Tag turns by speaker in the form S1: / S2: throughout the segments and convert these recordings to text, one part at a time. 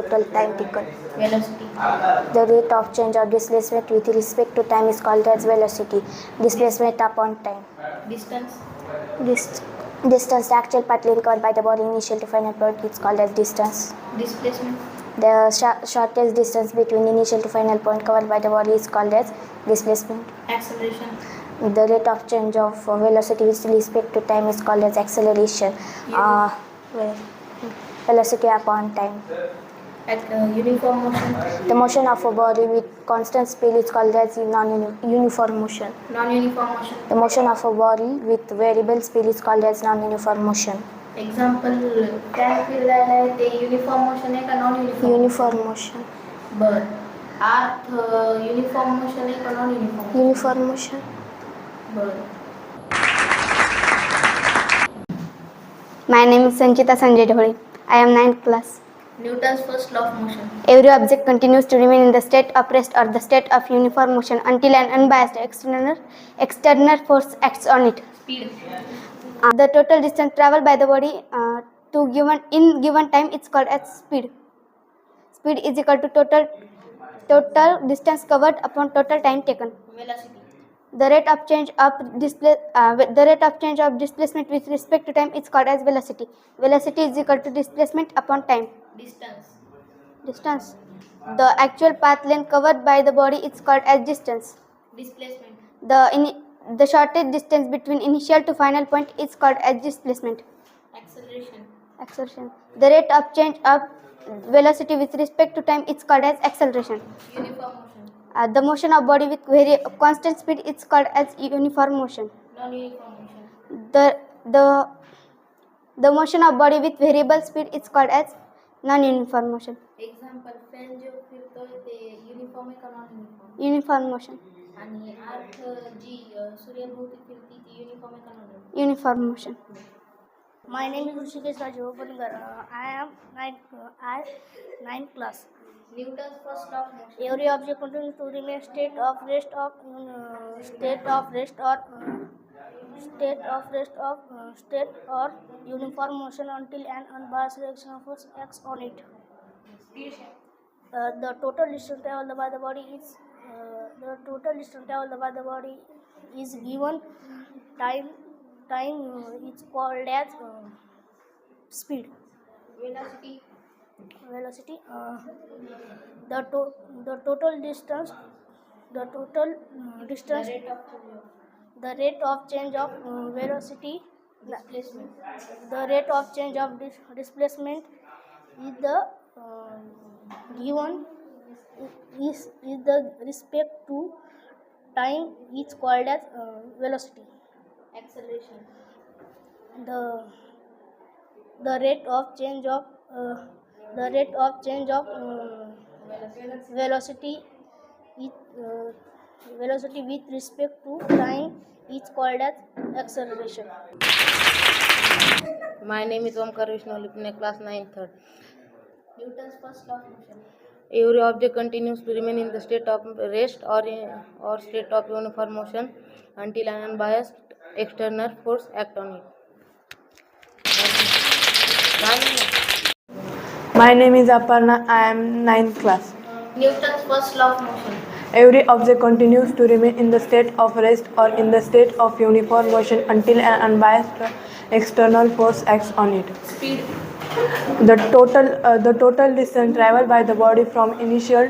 S1: total time taken.
S2: Velocity.
S1: The rate of change of displacement with respect to time is called as velocity. Displacement upon time.
S2: Distance.
S1: Distance, the actual path length covered by the body initial to final point is called as distance.
S2: Displacement.
S1: The shortest distance between initial to final point covered by the body is called as displacement.
S2: Acceleration.
S1: The rate of change of velocity with respect to time is called as acceleration. Velocity upon time.
S2: Uniform motion.
S1: The motion of a body with constant speed is called as non-uniform motion.
S2: Non-uniform motion.
S1: The motion of a body with variable speed is called as non-uniform motion.
S2: Example काय फिरायला आहे ते uniform motion आहे का non uniform?
S1: Uniform motion.
S2: बरं, अर्थ uniform motion आहे का non uniform?
S1: Uniform motion.
S2: बरं.
S3: My name is Sanchita Sanjay Dhole. I am 9th class.
S2: Newton's first law of motion.
S3: Every object continues to remain in the state of rest or the state of uniform motion until an unbiased external force acts on it.
S2: Speed.
S3: The total distance traveled by the body in given time is called as speed. Speed is equal to total distance covered upon total time taken.
S2: Velocity.
S3: The rate of change of displacement with respect to time is called as velocity. Velocity is equal to displacement upon time. Distance. The actual path length covered by the body is called as distance.
S2: Displacement.
S3: The shortest distance between initial to final point is called as displacement.
S2: Acceleration.
S3: The rate of change of velocity with respect to time is called as acceleration.
S2: Uniform motion.
S3: The motion of body with constant speed is called as uniform motion.
S2: Non-uniform motion.
S3: The motion of body with variable speed is called as non-uniform motion.
S2: Example fan जो फिरतोय ते uniform आहे का non uniform?
S3: Uniform motion.
S2: आणि अर्थ जी सूर्याभोवती फिरती ती uniform आहे का non uniform?
S3: Uniform motion.
S4: My name is Rishikesh Raju Opangar. I am 9th class.
S2: Newton's first law of motion.
S4: Every object continues to remain state of rest or uniform motion until an unbiased reaction force acts on it. The total distance traveled by the body is given time is called as speed. Velocity. The total distance. The rate of change of velocity.
S2: Displacement.
S4: The rate of change of displacement is the given is the respect to time is called as velocity.
S2: Acceleration.
S4: The rate of change of velocity with respect to time is called as acceleration.
S5: My name is Omkar Vishnu Lipne, class 9th.
S2: Newton's first law of motion.
S5: Every object continues to remain in the state of rest or state of uniform motion until an unbiased external force acts on it.
S6: My name is Aparna. I am 9th class.
S2: Newton's first law of motion.
S6: Every object continues to remain in the state of rest or in the state of uniform motion until an unbiased external force acts on it.
S2: Speed.
S6: The total distance traveled by the body from initial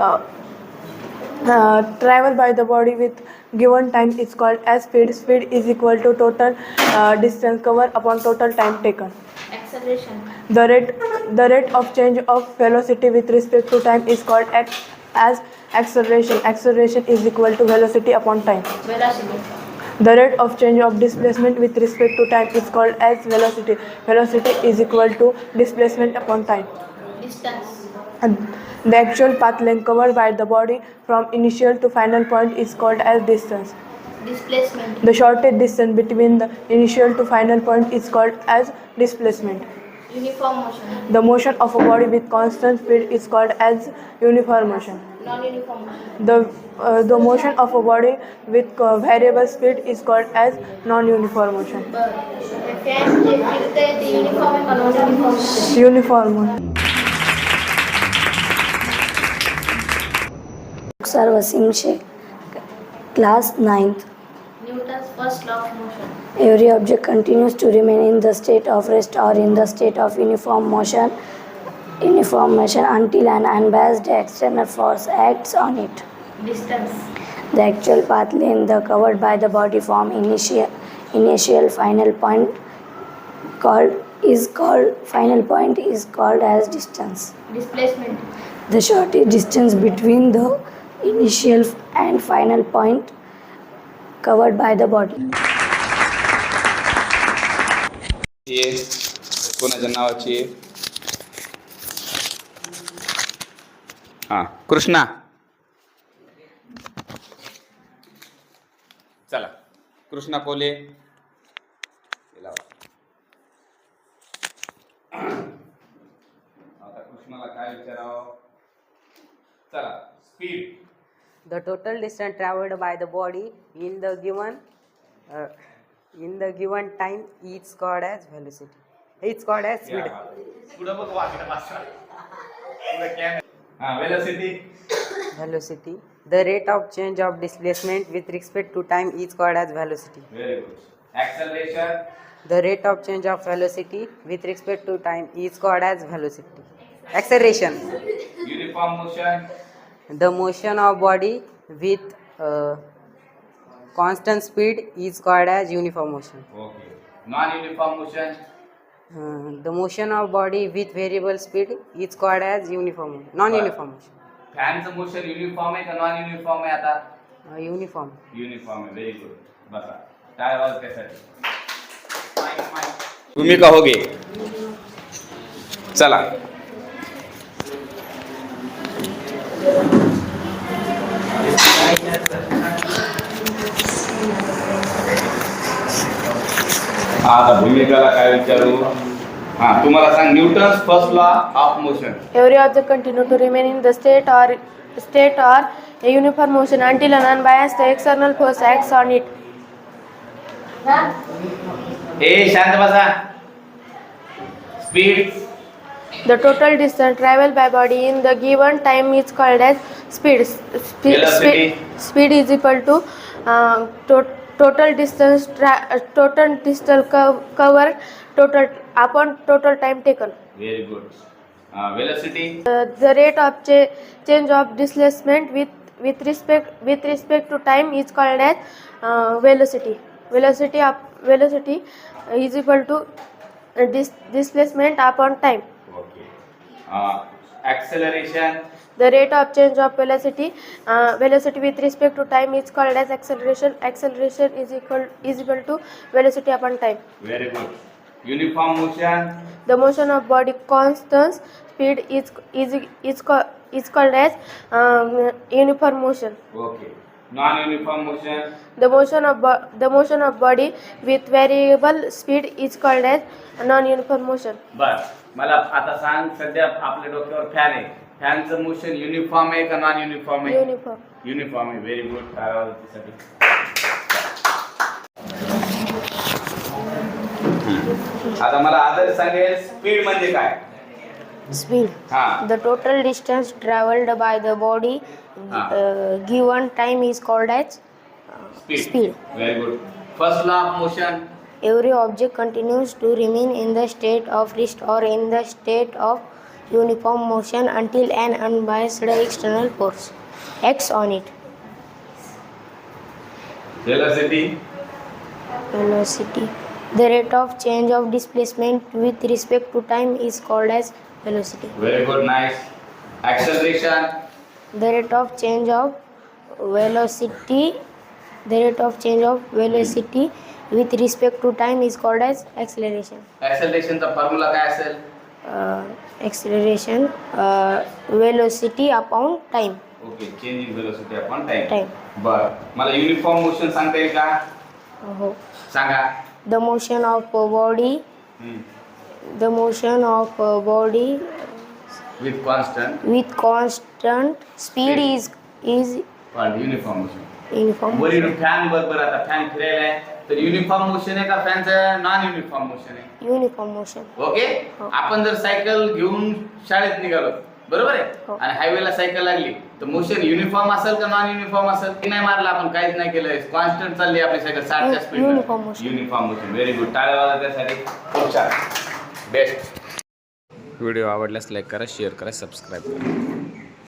S6: travel by the body with given time is called as speed. Speed is equal to total distance covered upon total time taken.
S2: Acceleration.
S6: The rate of change of velocity with respect to time is called as acceleration. Acceleration is equal to velocity upon time.
S2: Velocity.
S6: The rate of change of displacement with respect to time is called as velocity. Velocity is equal to displacement upon time.
S2: Distance.
S6: And the actual path length covered by the body from initial to final point is called as distance.
S2: Displacement.
S6: The shortest distance between the initial to final point is called as displacement.
S2: Uniform motion.
S6: The motion of a body with constant speed is called as uniform motion.
S2: Non-uniform motion.
S6: The motion of a body with variable speed is called as non-uniform motion.
S2: Fan जे फिरतंय ते uniform आहे का non uniform?
S6: Uniform motion.
S1: Mukhtar Wasim Sheikh. Class 9th.
S2: Newton's first law of motion.
S1: Every object continues to remain in the state of rest or in the state of uniform motion until an unbiased external force acts on it.
S2: Distance.
S1: The actual path length covered by the body from initial final point is called as distance.
S2: Displacement.
S1: The shortest distance between the initial and final point covered by the body.
S7: ये कोणाच्या नावाची आहे? हां कृष्णा चला कृष्णा कोले आता कृष्णाला काय विचारावं चला speed
S8: The total distance traveled by the body in the given time is called as velocity. It's called as speed.
S7: पुढं बघ वाकडं वाचा पुढं कॅमेरा हां velocity
S8: Velocity. The rate of change of displacement with respect to time is called as velocity.
S7: Very good acceleration
S8: The rate of change of velocity with respect to time is called as velocity. Acceleration.
S7: Uniform motion
S8: The motion of body with constant speed is called as uniform motion.
S7: Okay non uniform motion
S8: The motion of body with variable speed is called as non-uniform motion.
S7: फॅनचं motion uniform आहे का non uniform आहे आता
S8: Uniform.
S7: Uniform आहे very good बसा काय आवाज त्यासाठी तुम्ही कहोगे चला आता भूमिकाला काय विचारू हां तुम्हाला सांग Newton's first law of motion
S9: Every object continue to remain in the state or a uniform motion until an unbiased external force acts on it.
S7: ए शांत बसा speed
S9: The total distance traveled by body in the given time is called as speed.
S7: Velocity.
S9: Speed is equal to total distance covered upon total time taken.
S7: Very good velocity
S9: The rate of change of displacement with respect to time is called as velocity. Velocity is equal to displacement upon time.
S7: Okay acceleration
S9: The rate of change of velocity with respect to time is called as acceleration. Acceleration is equal to velocity upon time.
S7: Very good uniform motion
S9: The motion of body constant speed is called as uniform motion.
S7: Okay non uniform motion
S9: The motion of body with variable speed is called as non-uniform motion.
S7: बर मला आता सांग सध्या आपल्या डोक्यावर fan आहे फॅनचं motion uniform आहे का नॉन युनिफॉर्म आहे
S9: Uniform.
S7: युनिफॉर्म आहे व्हेरी गुड त्यासाठी आता मला आदर सांगेल स्पीड म्हणजे काय
S1: Speed.
S7: हां
S1: The total distance traveled by the body given time is called as speed.
S7: Very good first law of motion
S1: Every object continues to remain in the state of rest or in the state of uniform motion until an unbiased external force acts on it.
S7: Velocity
S1: Velocity. The rate of change of displacement with respect to time is called as velocity.
S7: Very good nice acceleration
S1: The rate of change of velocity with respect to time is called as acceleration.
S7: ऍक्सेलरेशनचा formula काय असेल
S1: Acceleration velocity upon time.
S7: Okay change in velocity upon time
S1: Time.
S7: बर मला uniform motion सांगता येईल का
S1: हो.
S7: सांगा
S1: The motion of body
S7: with constant
S1: with constant speed is
S7: uniform motion
S1: uniform.
S7: वरील फॅन बरोबर आता फॅन फिरायला आहे तर युनिफॉर्म मोशन आहे का फॅनचं नॉन युनिफॉर्म मोशन आहे
S1: Uniform motion.
S7: ओके आपण जर सायकल घेऊन शाळेत निघालो बरोबर आहे. आणि हायवेला सायकल लागली तर मोशन युनिफॉर्म असेल का नॉन युनिफॉर्म असेल? की नाही मारला आपण, काहीच नाही केलं, कॉन्स्टंट चालली आपली सायकल 60च्या speed.
S9: Uniform motion.
S7: Uniform motion. Very good. टाळ्या वाजवा त्यासाठी. खूप छान. बेस्ट. व्हिडिओ आवडल्यास लाईक करा, शेअर करा, सबस्क्राईब करा.